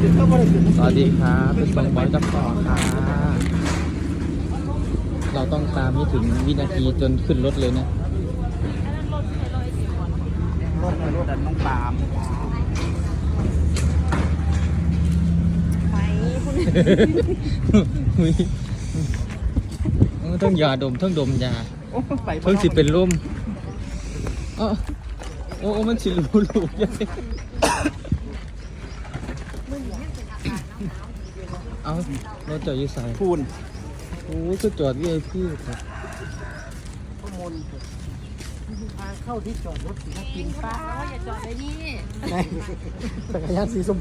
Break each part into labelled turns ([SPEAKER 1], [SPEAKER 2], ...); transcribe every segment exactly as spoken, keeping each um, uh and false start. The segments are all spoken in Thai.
[SPEAKER 1] สวัสดีครับเป็นส่งบอลกับต่อค่ะเราต้องตามให้ถึงวินาทีจนขึ้นรถเลยเนี่ย
[SPEAKER 2] รถรถอันน้องปาม
[SPEAKER 3] ไปคุณ
[SPEAKER 1] ต้องยาดมต้องดมยาเพิ่งสิเป็นลมโอ้โอ้มันสิรู้ลูกยังเอาเราจอดอยู่สาย
[SPEAKER 2] พูน
[SPEAKER 1] โอ้คือจอดวีไอพีครับ
[SPEAKER 2] ข้อมูลทางเข้าที่จอดรถสีกินป้า
[SPEAKER 3] อย่าจอดเลยนี่
[SPEAKER 2] ในจักรยานสีส้ม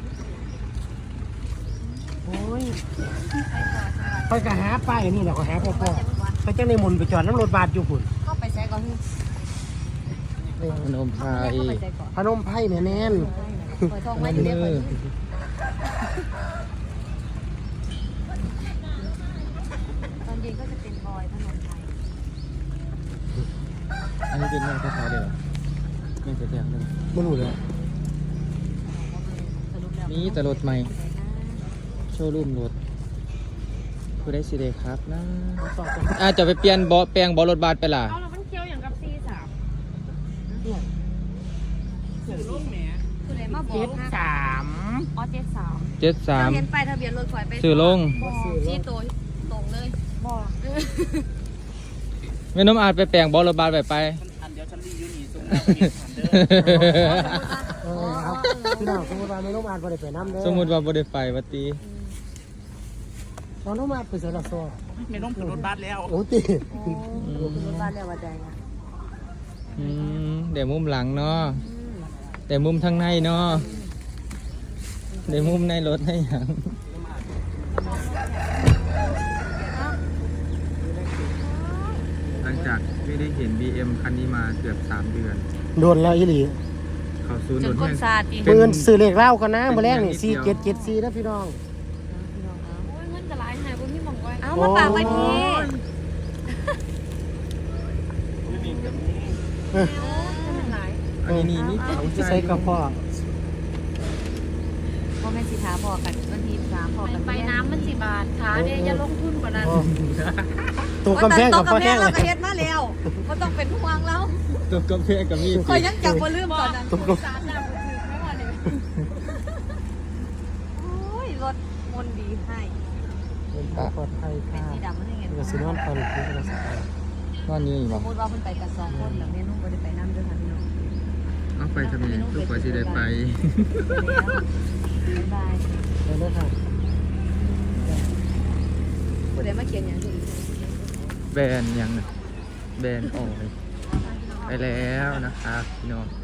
[SPEAKER 2] โอ้ยไปกะหาป้ายนี่แหละก็หาพ่อพ่อไปจ้างในมนไปจอดน้ำรถบาดอยู่พุ่น
[SPEAKER 3] ก็ไปใช้ก่อนที่
[SPEAKER 1] พนมไพร
[SPEAKER 2] พนมไพ่เนี่ยแน่น
[SPEAKER 3] ปล่อยทองไว้อยู่เนี่ยปล่อยตอนเย็นก็จะเป็นบอยถนนไทย
[SPEAKER 1] อันนี้เป็นแม่ข้าวเดียวแม่เสียแถวเลย
[SPEAKER 2] ไม่รู้เลย
[SPEAKER 1] นี่แต่รถใหม่โชว์รูมรถผู้ได้สิเดครับนะอาจจะไปเปลี่ยนบอแปลงบอรถบาสไปล่ะ
[SPEAKER 3] เอาแล้วมันเคี้ยวอย่างกับซีสามคืออะไรมาบอก
[SPEAKER 2] เจ็ดสาม
[SPEAKER 3] อ๋อเจ็ดสาม
[SPEAKER 1] เจ็ดสาม
[SPEAKER 3] เห็นไปทะเบียนรถคอยไป
[SPEAKER 1] ซื้อลง
[SPEAKER 3] ที่ตัวตรงเลยบอก
[SPEAKER 1] แม่น้ำอาจไปแปลงบอรถบาสไปไป
[SPEAKER 2] อันเดียวฉันรีวิวนี่ซุ้มเออครับพี่น้องสมมติว่าไม่ต้องอ่านไปไปน้ำเด้อ
[SPEAKER 1] สมมุติว่าบริไปวัตี
[SPEAKER 2] ตอนน้องมาไปเสือดาซอ
[SPEAKER 4] ไม่ต้องขึ้นรถบัสแล้ว
[SPEAKER 2] โอ้ตี
[SPEAKER 3] รถบ้านเรียกว่าใดอ่ะ
[SPEAKER 1] อืมเดี๋ยวมุมหลังเนาะแต่มุมทางในเนาะเดี๋ยวมุมในรถให้หยังหลังจากไม่ได้เห็น บี เอ็ม คันนี้มาเกือบสามเดือน
[SPEAKER 2] โดนแล้วอีหลี
[SPEAKER 1] เขาซูน
[SPEAKER 3] จ
[SPEAKER 1] โด
[SPEAKER 3] น
[SPEAKER 1] น
[SPEAKER 3] คน
[SPEAKER 1] แห้ง
[SPEAKER 3] ซาตี
[SPEAKER 2] ปืนสื่อเหล็กเล่ากันนะมาแรกนี่สี่เจ็ดเจ็ดสี่นะพี่น้อง
[SPEAKER 3] เงินจะร้ายไหนบุญพี่มองไว้เอามาฝากไว้ที
[SPEAKER 1] อันนี้นี่เขา
[SPEAKER 2] ใส่กระเพาะ
[SPEAKER 3] พ่อแม่สิท้าพอกันวันที่สามพอกันไปน้ำมันสิบาทขาเนี่ยอย่าลงทุนกว่านั้น
[SPEAKER 2] ตัวกำแพงกับพ่อแห้งเล
[SPEAKER 3] เรา
[SPEAKER 2] ย
[SPEAKER 3] ก็เฮ็ดมาแล้วก็ต้องเป็นห่วงแล้ว
[SPEAKER 1] ตัวกาแฟกับมีด
[SPEAKER 3] คอยยังจับบ่ลืมตอนนั้น
[SPEAKER 2] ตัวก
[SPEAKER 3] สามดาวถือไม่ว่าเลยโอ้ยรถมนดีให้
[SPEAKER 2] ำปลอดภัย
[SPEAKER 3] เป็น
[SPEAKER 2] ค่ะ
[SPEAKER 3] สีดำมันยังไง
[SPEAKER 2] กระสุนนอนตอนนี้กระสุน
[SPEAKER 1] นอนนี่
[SPEAKER 3] ส
[SPEAKER 1] บอ
[SPEAKER 3] ม
[SPEAKER 1] ก
[SPEAKER 3] มติว่าเพิ่นไปกันสองคนแล้วแม่นุ่งบ่ได้ไปน้ำด้วยค่ะพี่น้อง
[SPEAKER 1] เอาไปทำไมทุกคนจะได้ไป
[SPEAKER 3] บ๊ายบาย
[SPEAKER 2] ไปเลยค่ะ
[SPEAKER 3] ผู้ใดมาเขียนอย่างนี้
[SPEAKER 1] แบนยังนะแบนออกไปแล้วนะครับพี่น้อง